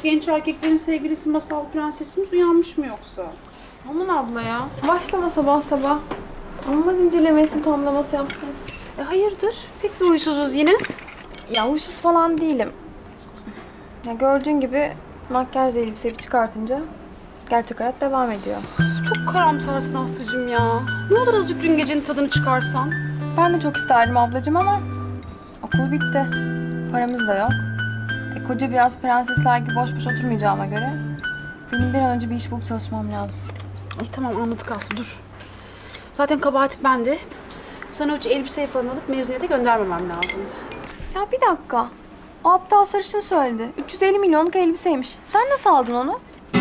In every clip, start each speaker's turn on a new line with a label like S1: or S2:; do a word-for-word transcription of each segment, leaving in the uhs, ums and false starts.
S1: Genç erkeklerin sevgilisi masal prensesimiz uyanmış mı yoksa?
S2: Aman abla ya. Başlama sabah sabah. Olmaz incelemesini tamlaması yaptım.
S1: E hayırdır? Pek bir huysuzuz yine.
S2: Ya huysuz falan değilim. Ya gördüğün gibi makyaj elbiseyi çıkartınca gerçek hayat devam ediyor.
S1: Çok karamsarsın Aslı'cığım ya. Ne olur azıcık dün gecenin tadını çıkarsan.
S2: Ben de çok isterdim ablacığım ama okul bitti. Paramız da yok. E, koca bir yaz prensesler gibi boş boş oturmayacağıma göre benim bir an önce bir iş bulup çalışmam lazım.
S1: Ay tamam anladık Aslı dur. Zaten kabahat bende. Sana hiç elbiseyi falan alıp mezuniyete göndermemem lazımdı.
S2: Ya bir dakika. O aptal sarışın söyledi. üç yüz elli milyonluk elbiseymiş. Sen nasıl aldın onu?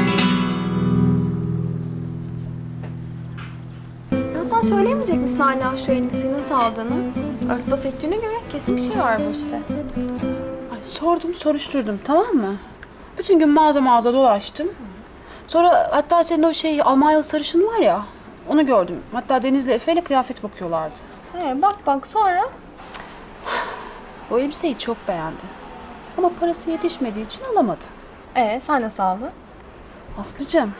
S2: Ya sen söyleyemeyecek misin hala şu elbiseyi nasıl aldığını? Örtbas ettiğine göre kesin bir şey var bu işte.
S1: Ay sordum soruşturdum tamam mı? Bütün gün mağaza mağaza dolaştım. Sonra hatta senin o şey Almanyalı sarışın var ya onu gördüm. Hatta Deniz'le Efe'yle kıyafet bakıyorlardı.
S2: He, bak bak sonra.
S1: O elbiseyi çok beğendi. Ama parası yetişmediği için alamadı.
S2: Ee sen nasıl aldın?
S1: Aslıcığım.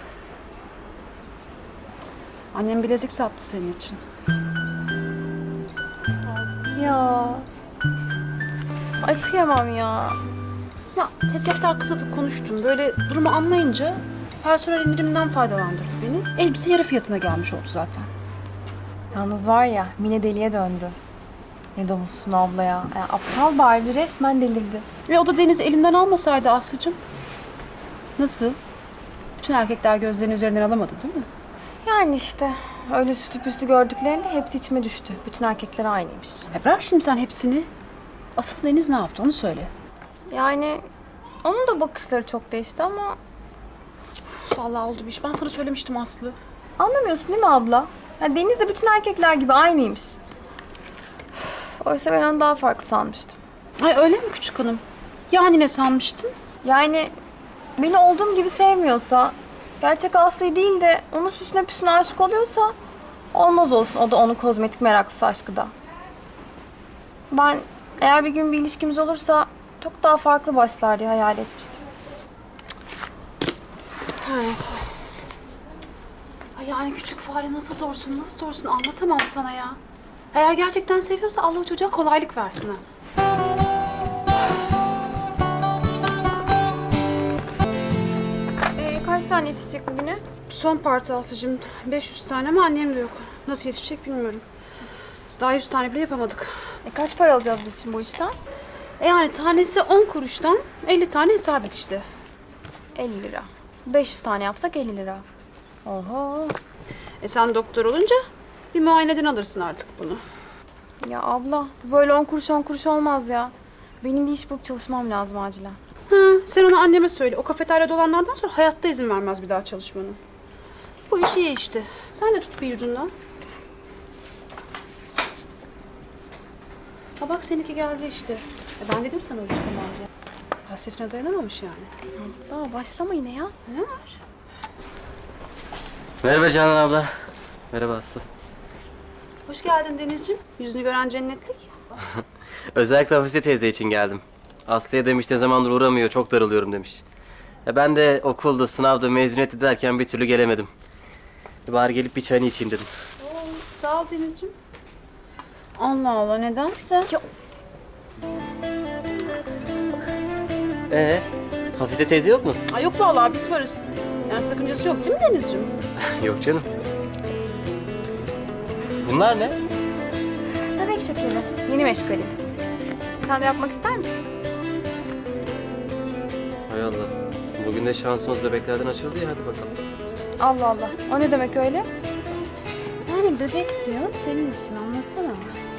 S1: Annem bilezik sattı senin için.
S2: Ya. Ay kıyamam ya.
S1: Ya tezgahtar arkasında da konuştum. Böyle durumu anlayınca personel indiriminden faydalandırdı beni. Elbise yarı fiyatına gelmiş oldu zaten.
S2: Yalnız var ya Mine deliye döndü. Ne domuzsun abla ya. ya aptal Barbie resmen delirdi.
S1: Ve o da Deniz'i elinden almasaydı Aslı'cığım. Nasıl? Bütün erkekler gözlerini üzerinden alamadı değil mi?
S2: Yani işte öyle süslü püslü gördüklerinde hepsi içime düştü. Bütün erkekler aynıymış.
S1: E bırak şimdi sen hepsini. Asıl Deniz ne yaptı onu söyle.
S2: Yani onun da bakışları çok değişti ama
S1: Vallahi oldu bir iş. Ben sana söylemiştim Aslı.
S2: anlamıyorsun değil mi abla? Ya Deniz de bütün erkekler gibi aynıymış. Üf, oysa ben onu daha farklı sanmıştım.
S1: Ay öyle mi küçük hanım? Yani ne sanmıştın?
S2: Yani beni olduğum gibi sevmiyorsa, gerçek Aslı'yı değil de onun süsüne püsüne aşık oluyorsa olmaz olsun. O da onun kozmetik meraklısı aşkı da. Ben eğer bir gün bir ilişkimiz olursa çok daha farklı başlar diye hayal etmiştim.
S1: Evet. Ay yani küçük fare nasıl zorsun, nasıl zorsun anlatamam sana ya. Eğer gerçekten seviyorsa Allah o çocuğa kolaylık versin ha.
S2: Ee, kaç tane yetişecek bugüne?
S1: Son parti Aslı'cığım. beş yüz tane ama annem de yok. Nasıl yetişecek bilmiyorum. Daha yüz tane bile yapamadık.
S2: E, kaç para alacağız biz şimdi bu işten?
S1: E yani tanesi on kuruştan elli tane hesap et işte.
S2: elli lira. beş yüz tane yapsak elli lira. Oho.
S1: E sen doktor olunca bir muayeneden alırsın artık bunu.
S2: Ya abla bu böyle on kuruş on kuruş olmaz ya. Benim bir iş bulup çalışmam lazım acilen.
S1: Ha, sen onu anneme söyle. O kafeteryada olanlardan sonra hayatta izin vermez bir daha çalışmanı. Bu iş iyi işte. Sen de tut bir ucundan. Ha bak seninki geldi işte. E ben dedim sana o işte diye. Hasretine dayanamamış yani.
S2: Abla başlama yine ya.
S1: Ne var?
S3: Merhaba Canan abla. Merhaba Aslı.
S1: Hoş geldin Denizciğim. Yüzünü gören cennetlik.
S3: Özellikle Hafize teyze için geldim. Aslı'ya demiş ne zamandır uğramıyor, çok darılıyorum demiş. Ya ben de okulda, sınavda, mezuniyette derken bir türlü gelemedim. E bari gelip bir çayını içeyim dedim.
S1: Oo, sağ ol Denizciğim. Allah Allah nedense.
S2: Ya,
S3: Ee, Hafize teyze yok mu?
S1: Ay yok vallahi biz varız. Yani sakıncası yok değil mi Denizciğim?
S3: Yok canım. Bunlar ne?
S2: bebek şekeri. Yeni meşgalimiz. Sen de yapmak ister misin?
S3: Hay Allah. Bugün de şansımız bebeklerden açıldı ya, hadi bakalım.
S2: Allah Allah. O ne demek öyle?
S1: Yani bebek diyor senin için anlasana.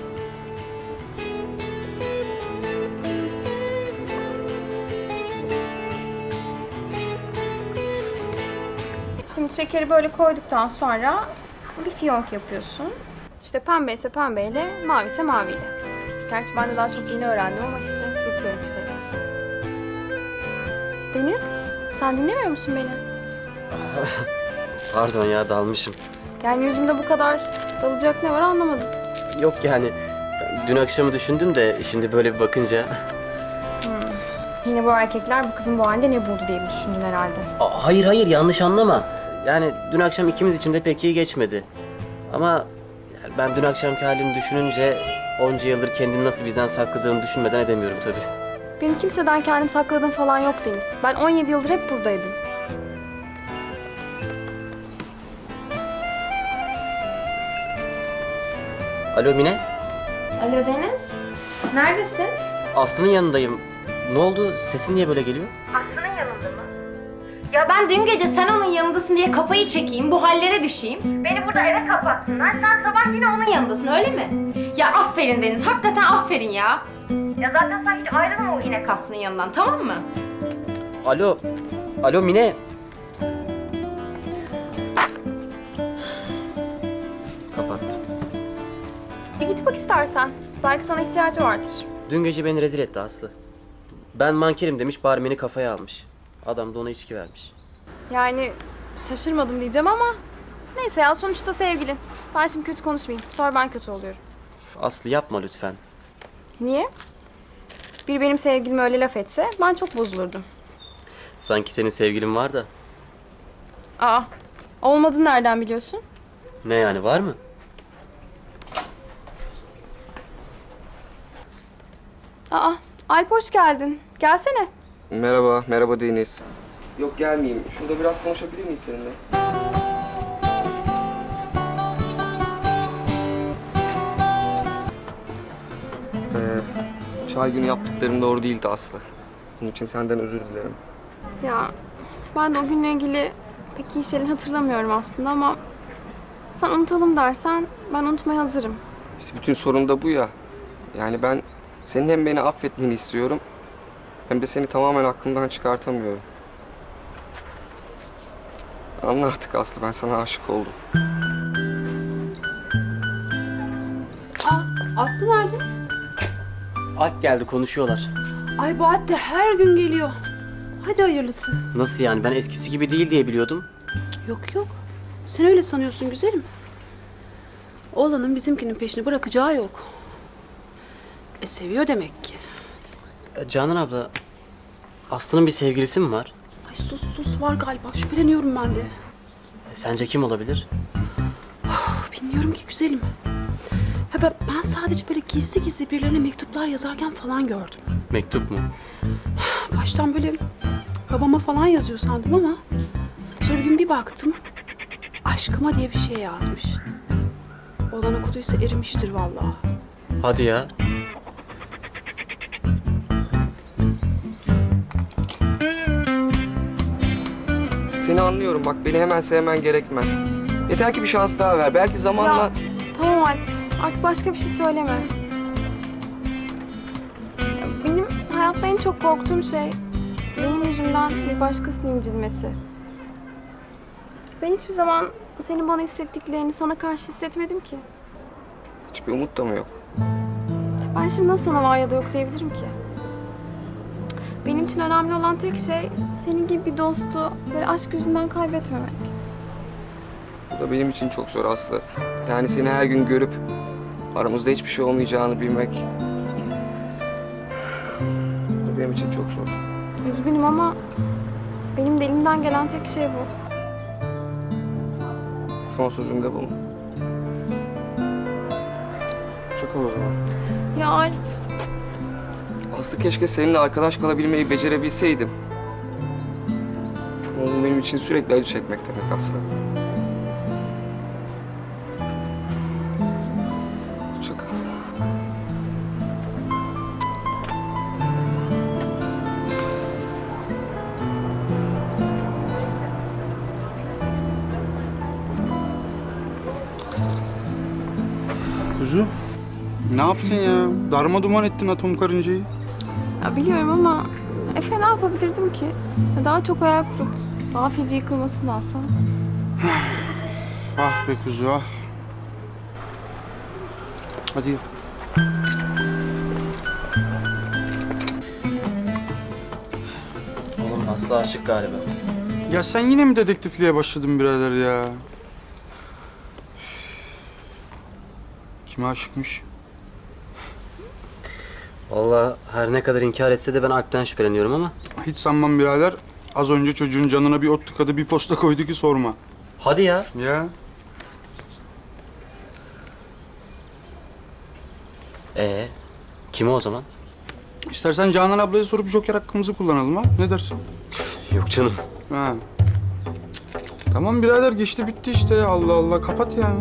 S2: Şimdi şekeri böyle koyduktan sonra bir fiyonk yapıyorsun. İşte pembe ise pembeyle, mavi ise maviyle. Gerçi ben de daha çok yeni öğrendim ama işte yapıyorum bir şeyler. Deniz, sen dinlemiyor musun beni?
S3: Pardon ya, dalmışım.
S2: Yani yüzümde bu kadar dalacak ne var anlamadım.
S3: Yok yani, dün akşamı düşündüm de şimdi böyle bir bakınca...
S2: Yine bu erkekler bu kızın bu halinde ne buldu diye düşündün herhalde.
S3: Aa, hayır hayır yanlış anlama. Yani dün akşam ikimiz için de pek iyi geçmedi. Ama yani ben dün akşamki halini düşününce onca yıldır kendini nasıl bizden sakladığını düşünmeden edemiyorum tabii.
S2: Benim kimseden kendim sakladığım falan yok Deniz. Ben on yedi yıldır hep buradaydım.
S3: Alo Mine,
S4: Alo Deniz, neredesin?
S3: Aslı'nın yanındayım. Ne oldu? Sesin niye böyle geliyor?
S4: Aslı'nın yanında mı? Ya ben dün gece sen onun yanındasın diye kafayı çekeyim, bu hallere düşeyim. Beni burada eve kapatsınlar, sen sabah yine onun yanındasın öyle mi? Ya aferin Deniz, hakikaten aferin ya. Ya zaten sen hiç ayrılma o inek Aslı'nın yanından, tamam mı?
S3: Alo, alo Mine. Kapattı.
S2: Bir git bak istersen. Belki sana ihtiyacı vardır.
S3: Dün gece beni rezil etti Aslı. Ben mankerim demiş, barmeni kafaya almış. Adam da ona içki vermiş.
S2: Yani şaşırmadım diyeceğim ama... Neyse ya sonuçta sevgilin. Ben şimdi kötü konuşmayayım. Sonra ben kötü oluyorum.
S3: Aslı yapma lütfen.
S2: Niye? Bir benim sevgilime öyle laf etse ben çok bozulurdum.
S3: Sanki senin sevgilin var da.
S2: Aa, olmadığını nereden biliyorsun?
S3: Ne yani, var mı?
S2: Aa, Alp hoş geldin. Gelsene.
S5: Merhaba, merhaba Deniz. Yok gelmeyeyim. Şurada biraz konuşabilir miyiz seninle? Ee, çay günü yaptıklarım doğru değildi Aslı. Bunun için senden özür dilerim.
S2: Ya ben de o günle ilgili pek iyi şeyler hatırlamıyorum aslında ama... Sen unutalım dersen ben unutmaya hazırım.
S5: İşte bütün sorun da bu ya. Yani ben senin hem beni affetmeni istiyorum... hem de seni tamamen aklımdan çıkartamıyorum. Anla artık Aslı, ben sana aşık oldum.
S1: Aa, Aslı nerede?
S3: Alp geldi, konuşuyorlar.
S1: Ay bu Alp de her gün geliyor. Hadi hayırlısı.
S3: Nasıl yani? Ben eskisi gibi değil diye biliyordum.
S1: Yok yok. Sen öyle sanıyorsun güzelim. Oğlanın bizimkinin peşini bırakacağı yok. E seviyor demek ki.
S3: E, Canan abla, Aslı'nın bir sevgilisi mi var?
S1: Ay sus sus var galiba. Şüpheleniyorum ben de.
S3: E, sence kim olabilir?
S1: Bilmiyorum ki güzelim. Ha ben, ben sadece böyle gizli gizli birilerine mektuplar yazarken falan gördüm.
S3: Mektup mu?
S1: Baştan böyle babama falan yazıyor sandım ama sonra bir gün bir baktım aşkıma diye bir şey yazmış. Olan okuduysa erimiştir vallahi.
S3: Hadi ya.
S5: Seni anlıyorum bak, beni hemen sevmen gerekmez. Yeter ki bir şans daha ver. Belki zamanla...
S2: Ya tamam Alp artık başka bir şey söyleme. Ya, benim hayatta en çok korktuğum şey benim yüzümden bir başkasının incinmesi. Ben hiçbir zaman senin bana hissettiklerini sana karşı hissetmedim ki.
S5: Hiçbir umut da mı yok?
S2: Ben şimdi nasıl sana var ya da yok diyebilirim ki? Benim için önemli olan tek şey senin gibi bir dostu böyle aşk yüzünden kaybetmemek.
S5: Bu da benim için çok zor Aslı. Yani seni her gün görüp aramızda hiçbir şey olmayacağını bilmek... Bu da benim için çok zor.
S2: Üzgünüm ama benim de elimden gelen tek şey bu.
S5: Son sözüm de bu. Çok o zaman.
S2: Ya Alp,
S5: Aslı keşke seninle arkadaş kalabilmeyi becerebilseydim. Ama bu benim için sürekli acı çekmek demek Aslı. Hoşça kal.
S6: Kuzu, ne yaptın ya? Darma duman ettin atom karıncayı.
S2: ya biliyorum ama Efe ne yapabilirdim ki? Ya daha çok hayal kurup daha feci yıkılmasındansa.
S6: Ah be kuzu ah. Hadi.
S3: Oğlum Aslı aşık galiba.
S6: Ya sen yine mi dedektifliğe başladın birader ya? Kime aşıkmış?
S3: Vallahi her ne kadar inkar etse de ben Alp'ten şüpheleniyorum ama.
S6: Hiç sanmam birader. Az önce çocuğun canına bir ot tıkadı, bir posta koydu ki sorma.
S3: Hadi ya.
S6: Ya.
S3: Ee, kim o zaman?
S6: İstersen Canan ablaya sorup joker hakkımızı kullanalım ha. Ne dersin?
S3: Yok canım.
S6: Ha. Tamam birader, geçti bitti işte ya. Allah Allah, kapat yani.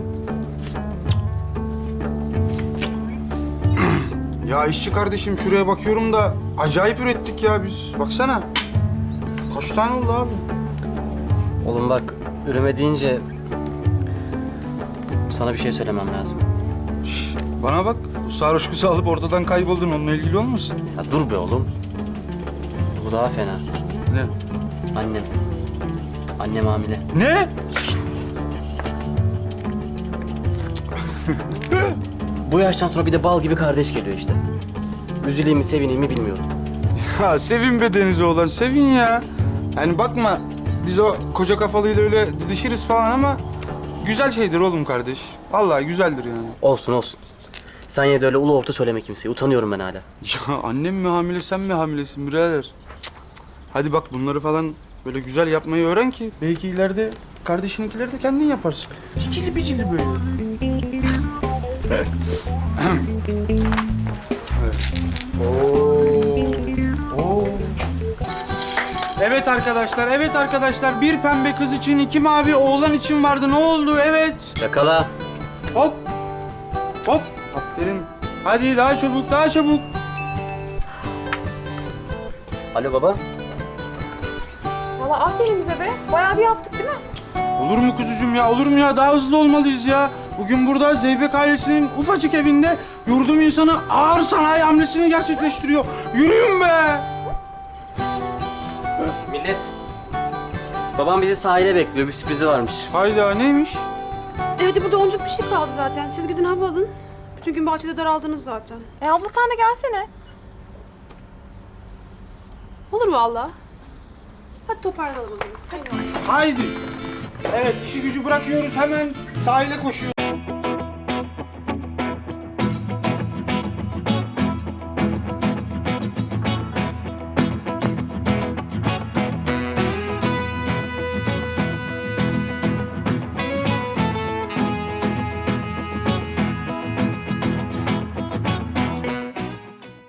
S6: Ya işçi kardeşim, şuraya bakıyorum da acayip ürettik ya biz. Baksana. Kaç tane oldu abi?
S3: Oğlum bak, üreme deyince sana bir şey söylemem lazım.
S6: Şş, bana bak. Bu sarhoş kızı alıp ortadan kayboldun. Onunla ilgili olmasın?
S3: Ya dur be oğlum. Bu daha fena.
S6: Ne?
S3: Annem. Annem hamile.
S6: Ne?
S3: Bu yaştan sonra bir de bal gibi kardeş geliyor işte. Üzüleyim mi sevineyim mi bilmiyorum.
S6: Ha sevin be Deniz oğlan, sevin ya. Yani bakma, biz o koca kafalıyla öyle didişiriz falan ama güzel şeydir oğlum kardeş. Vallahi güzeldir yani.
S3: Olsun olsun. Sen yine de öyle ulu orta söyleme kimseye. Utanıyorum ben hala.
S6: Ya annem mi hamile, sen mi hamilesin birader? Cık, cık. Hadi bak, bunları falan böyle güzel yapmayı öğren ki belki ileride kardeşininkileri de kendin yaparsın. Cicili bicili böyle. Evet. Oo. Oo. Evet arkadaşlar, evet arkadaşlar. Bir pembe kız için, iki mavi oğlan için vardı. Ne oldu? Evet.
S3: Yakala.
S6: Hop. Hop. Aferin. Hadi daha çabuk, daha çabuk.
S3: Alo baba.
S2: Valla aferin bize be. Bayağı bir yaptık değil mi?
S6: Olur mu kuzucuğum ya, olur mu ya? Daha hızlı olmalıyız ya. Bugün burada Zeybek ailesinin ufacık evinde yurdum insanı ağır sanayi hamlesini gerçekleştiriyor. Yürüyün be!
S3: Millet. Babam bizi sahile bekliyor. Bir sürprizi varmış.
S6: Hayda, neymiş?
S1: E hadi burada oncuk bir şey kaldı zaten. Siz gidin hava alın. Bütün gün bahçede daraldınız zaten.
S2: E abla sen de gelsene.
S1: Olur vallahi. Hadi toparlanalım o zaman. Hadi.
S6: Haydi. Evet, işi gücü bırakıyoruz, hemen sahile koşuyoruz.